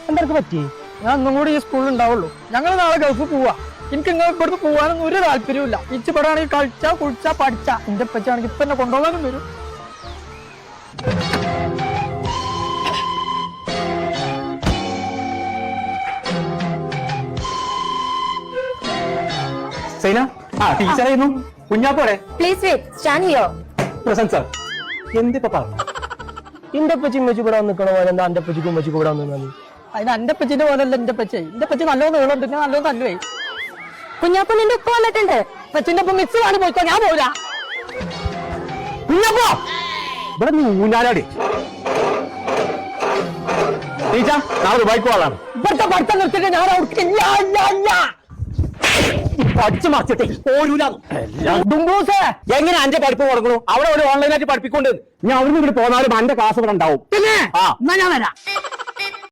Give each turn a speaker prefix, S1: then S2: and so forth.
S1: എന്തൊക്കെ പറ്റി?
S2: ഞാൻ ഒന്നും കൂടി ഈ സ്കൂളിൽ ഉണ്ടാവുള്ളൂ. ഞങ്ങൾ നാളെ ഗൾഫ് പോവാ. എനിക്ക് നിങ്ങൾ ഇവിടുന്ന് പോകാനൊന്നും ഒരു താല്പര്യമില്ല. ഇച്ചിപ്പെടാണെങ്കിൽ കളിച്ചാ കുളിച്ചാ പഠിച്ചാ. എന്റെ പച്ചാണെങ്കിൽ ഇപ്പൊ എന്നെ കൊണ്ടുപോകാനും വരും.
S3: സൈന ടീച്ചറായിരുന്നു. കുഞ്ഞാപ്പോടെ
S4: please wait, stand here.
S3: Present sir. എന്തിപ്പോ പറഞ്ഞു?
S1: എന്റെ പച്ചി ഉമ്മച്ചി കൂടെ നിൽക്കണ പോലെ എന്താ എന്റെ പച്ചിക്കും ഉമ്മച്ചി കൂടെ നിന്നാല്?
S2: അതിന് എന്റെ പച്ചിന്റെ പോലല്ല എന്റെ പച്ച. എന്റെ പച്ച നല്ലോണം നീളുണ്ട്, പിന്നെ നല്ലോണം തല്ലുവേ.
S4: കുഞ്ഞാപ്പ നിന്റെ ഉപ്പ വന്നിട്ടുണ്ട്.
S2: പച്ചിന്റെ ഒപ്പം മിക്സ് കാണി പോയിക്കോ, ഞാൻ പോരാ.
S3: കുഞ്ഞാപ്പോ ഇവിടെ നീ ഊഞ്ഞാലാടി. ടീച്ചർ നാളെ ദുബായിക്ക് പോകാനാണ്.
S2: ഇവിടുത്തെ പഠിത്തം നിർത്തിയിട്ട് ഞാൻ അവർക്ക്
S3: പഠിച്ചു മറിച്ചിട്ടേ പോരൂല.
S2: ഡുംബൂസേ,
S3: എങ്ങനെ അന്റെ പഠിപ്പ് കൊടുക്കണു? അവിടെ ഒരു ഓൺലൈനായിട്ട് പഠിപ്പിക്കൊണ്ട് ഞാൻ അവിടുന്ന് ഇവിടെ പോന്നാലും അന്റെ ക്ലാസ് ഇവിടെ ഉണ്ടാവും.
S2: പിന്നെ
S3: ആ
S2: എന്നാ ഞാൻ വരാം.